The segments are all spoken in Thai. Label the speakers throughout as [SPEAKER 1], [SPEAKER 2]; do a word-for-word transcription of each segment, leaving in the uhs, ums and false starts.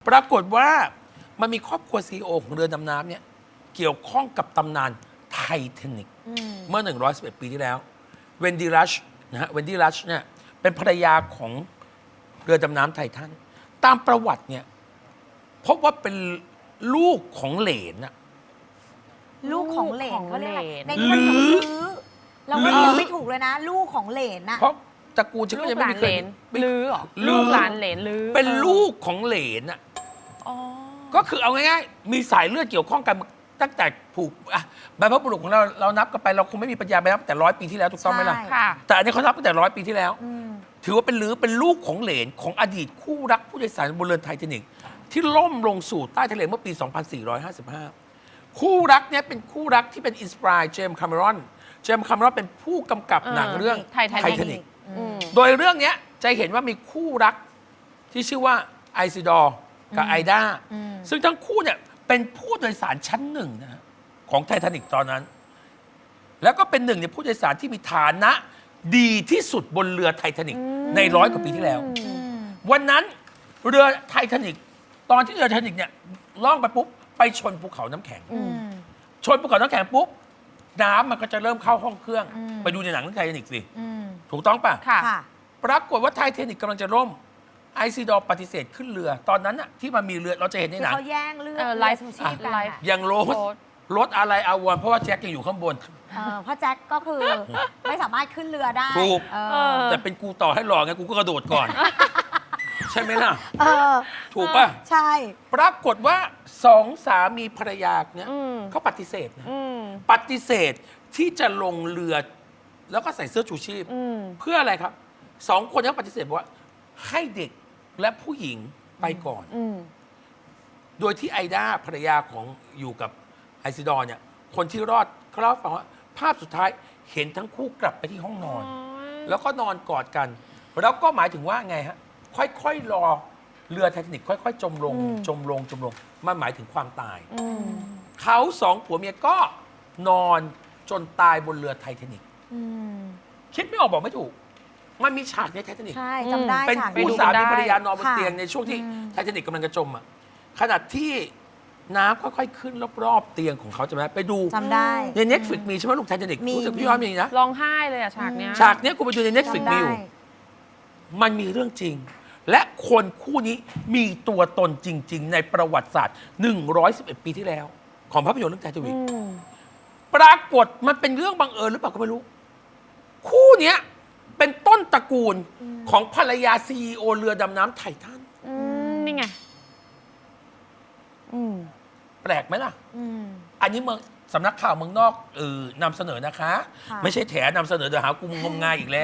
[SPEAKER 1] ปรากฏว่ามันมีครอบครัวซีอีโอของเรือดำน้ำเนี่ยเกี่ยวข้องกับตำนานไททานิกเมื่อหนึ่งร้อยสิบเอ็ดปีที่แล้วเวนดี้รัชนะฮะเวนดี้รัชเนี่ยเป็นภรรยาของเรือดำน้ำไททันตามประวัติเนี่ยพบว่าเป็นลูกของเหลนอะ
[SPEAKER 2] ลูกของเหลนเขาเรียกอะไรใน
[SPEAKER 1] ห
[SPEAKER 2] นี้มัน
[SPEAKER 1] รือ
[SPEAKER 2] ลื้อเราก็เรียกไม่ถูกเลยนะ ลูกของเหลนนะ
[SPEAKER 1] เพราะตระกูลฉัน
[SPEAKER 3] ลู
[SPEAKER 1] ก็
[SPEAKER 3] ก
[SPEAKER 1] ยัง
[SPEAKER 3] ห
[SPEAKER 1] ไม่
[SPEAKER 3] ลาน
[SPEAKER 1] มี
[SPEAKER 3] เห
[SPEAKER 1] เค
[SPEAKER 3] ล
[SPEAKER 1] ย
[SPEAKER 3] น
[SPEAKER 1] ไม่
[SPEAKER 3] ลือเหรอ
[SPEAKER 1] ลือ
[SPEAKER 3] ลูกหลานเหลนลือ
[SPEAKER 1] เป็นลูกของเหลนอะ
[SPEAKER 3] อ๋อ
[SPEAKER 1] ก็คือเอาง่ายๆมีสายเลือดเกี่ยวข้องกันตั้งแต่ผูกอ่ะบรรพบุรุษของเราเรานับกันไปเราคงไม่มีปัญญาไปนับแต่ร้อยปีที่แล้วถูกต้องไหมล่ะ
[SPEAKER 2] ใช่
[SPEAKER 3] ค่ะ
[SPEAKER 1] แต่อันนี้เขานับตั้งแต่ร้อยปีที่แล้ว
[SPEAKER 2] อืม
[SPEAKER 1] ถือว่าเป็นลือเป็นลูกของเหลนของอดีตคู่รักผู้โดยสารบนเรือไททานิกที่ล่มลงสู่ใต้ทะเลเมื่อปี สองพันสี่ร้อยห้าสิบห้า คู่รักเนี้ยเป็นคู่รักที่เป็นอินสปายเจมส์คาเมรอนเจมส์คาเมรอนเป็นผู้กำกับหนังเรื่อง
[SPEAKER 3] ไททานิก
[SPEAKER 1] ไททานิก
[SPEAKER 3] อืม
[SPEAKER 1] โดยเรื่องเนี้ยจะเห็นว่ามีคู่รักที่ชื่อว่าไอซิดอร์กับไอดาซึ่งทั้งคู่เนี่ยเป็นผู้โดยสารชั้นหนึ่งนะฮะของไททานิกตอนนั้น แล้วก็เป็นหนึ่งในผู้โดยสารที่มีฐานะดีที่สุดบนเรือไททานิกในร้อยกว่าปีที่แล้ว วันนั้นเรือไททานิกตอนที่เรือไททานิกเนี่ยล่องไปปุ๊บไปชนภูเขาน้ำแข็ง
[SPEAKER 2] อืม
[SPEAKER 1] ชนภูเขาน้ำแข็งปุ๊บน้ำมันก็จะเริ่มเข้าห้องเครื่อง
[SPEAKER 2] อืม
[SPEAKER 1] ไปดูในหนังเรื่องไททานิกสิ
[SPEAKER 2] อืม
[SPEAKER 1] ถูกต้องป่ะ
[SPEAKER 3] ค่ะ
[SPEAKER 2] ค่ะ
[SPEAKER 1] ปรากฏว่าไททานิกกำลังจะล่มไอซีดอร์ปฏิเสธขึ้นเรือ ตอนนั้นน่ะที่มันมีเรือเราจะเห็นใน
[SPEAKER 2] ที่
[SPEAKER 1] หนัง
[SPEAKER 2] เขาแย่งเลือด
[SPEAKER 3] เออ
[SPEAKER 2] เรือ
[SPEAKER 3] ไลฟ์
[SPEAKER 2] ชูชีพกัน
[SPEAKER 3] ไล
[SPEAKER 2] อะ
[SPEAKER 3] ฟ์
[SPEAKER 1] ยังโรส
[SPEAKER 3] โรส
[SPEAKER 1] รถอะไรอาวรณ์เพราะว่าแจ็คยังอยู่ข้างบน
[SPEAKER 2] เออเพราะแจ็คก็คือไม่สามารถขึ้นเรือได้
[SPEAKER 1] ถูก
[SPEAKER 2] เอ
[SPEAKER 3] เอ
[SPEAKER 2] อ
[SPEAKER 3] อ
[SPEAKER 1] แต่เป็นกูต่อให้หล่อไงกูก็กระโดดก่อน ใช่ไหมล่ะ
[SPEAKER 2] เออ
[SPEAKER 1] ถูกป่ะ
[SPEAKER 2] ใช่
[SPEAKER 1] ปรากฏว่าสองสามีภรรยาเนี่ย
[SPEAKER 3] อืม
[SPEAKER 1] เขาปฏิเสธนะ
[SPEAKER 3] อืม
[SPEAKER 1] ปฏิเสธที่จะลงเรือแล้วก็ใส่เสื้อชูชีพ
[SPEAKER 3] อืม
[SPEAKER 1] เพื่ออะไรครับสองคนนี้ปฏิเสธบอกว่าให้เด็กและผู้หญิงไปก่อน
[SPEAKER 3] อืม
[SPEAKER 1] โดยที่ไอดาภรรยาของอยู่กับไอซิดอร์เนี่ยคนที่รอดเขาเล่าให้ฟังว่าภาพสุดท้ายเห็นทั้งคู่กลับไปที่ห้องนอน แล้วก็นอนกอดกัน แล้วก็หมายถึงว่าไงฮะ ค่อยๆรอเรือไททานิกค่อยๆ จมลง
[SPEAKER 3] อืม
[SPEAKER 1] จมลงจมลงมันหมายถึงความตาย
[SPEAKER 3] อืม
[SPEAKER 1] เขาสองผัวเมียก็นอนจนตายบนเรือไททานิก
[SPEAKER 2] อืม
[SPEAKER 1] คิดไม่ออกบอกไม่ถูก มันมีฉากในไททานิก
[SPEAKER 2] ใช่จำได้
[SPEAKER 1] เป็น
[SPEAKER 2] ฉาก
[SPEAKER 1] คู่
[SPEAKER 2] นี้
[SPEAKER 1] สามี
[SPEAKER 3] ได้
[SPEAKER 1] ภรรยานอนบน
[SPEAKER 2] ค่ะ
[SPEAKER 1] เตียงในช่วงที่
[SPEAKER 2] อืม
[SPEAKER 1] ไททานิกกำลังจะจมอ่ะขณะที่น้ำค่อยๆขึ้นรอบๆเตียงของเขาใช่ไหมไปดู
[SPEAKER 2] จำได้
[SPEAKER 1] ในเน็ตฟลิกมีใช่ไหมลูกไททานิก
[SPEAKER 2] มี
[SPEAKER 1] รู้สึกพี่ย้อนมีนะ
[SPEAKER 3] ร้องไห้เลยอะฉากเนี้ย
[SPEAKER 1] ฉากเนี้ยกูไปดูในเน็ตฟลิก
[SPEAKER 2] จำ
[SPEAKER 1] มี
[SPEAKER 2] ได้
[SPEAKER 1] อยู่มันมีเรื่องจริง และคนคู่นี้มีตัวตนจริง ๆ ในประวัติศาสตร์หนึ่งร้อยสิบเอ็ดปีที่แล้ว ของภาพยนตร์เรื่องไททานิก
[SPEAKER 3] อืม
[SPEAKER 1] ปรากฏมันเป็นเรื่องบังเอิญหรือเปล่าก็ไม่รู้ คู่เนี้ยเป็นต้นตระกูลของภรรยาซีอีโอเรือดำน้ำไททัน
[SPEAKER 3] อืม นี่ไง อืม
[SPEAKER 1] แปลกไหมล่ะ
[SPEAKER 2] อืม
[SPEAKER 1] อันนี้เมืองสำนักข่าวเมืองนอกเออนำเสนอนะคะ
[SPEAKER 2] ค่ะ
[SPEAKER 1] ไม่ใช่แถนำเสนอเดี๋ยวหากูงมงายอีกแล้ว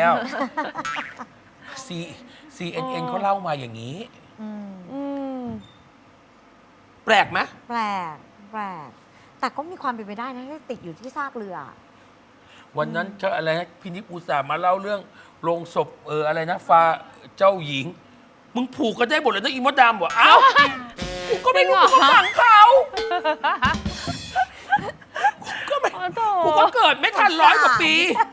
[SPEAKER 1] C ซี เอ็น เอ็น เขาเล่ามาอย่างนี้
[SPEAKER 2] อืม
[SPEAKER 3] อืม
[SPEAKER 1] แปลกไหม
[SPEAKER 2] แปลกแปลกแต่ก็มีความเป็นไปได้นะที่ติดอยู่ที่ซากเรือ
[SPEAKER 1] วันนั้นเจ้าอะไรนะพินิจอุตส่าห์มาเล่าเรื่องโรงศพเอออะไรนะฟ้าเจ้าหญิง มึงผูกกันได้หมดเลยนะอีมดดำบอกเอ้ากูก็ไม่รู้
[SPEAKER 3] จริ
[SPEAKER 1] กู
[SPEAKER 3] งเหรอ
[SPEAKER 1] ก็ฟังเขากูก็ไม่
[SPEAKER 3] โอ้โถ
[SPEAKER 1] กูก็เกิดไม่ทันร้อยกว่าปี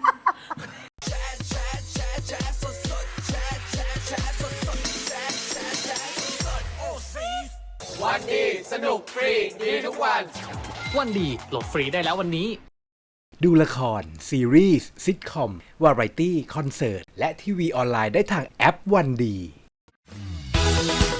[SPEAKER 4] วันดีสนุกฟรีดีทุกวัน
[SPEAKER 5] วันดีโหลดฟรีได้แล้ววันนี้
[SPEAKER 6] ดูละคร ซีรีส์ซิทคอม วาไรตี้ คอนเสิร์ต และทีวีออนไลน์ได้ทางแอปวันดี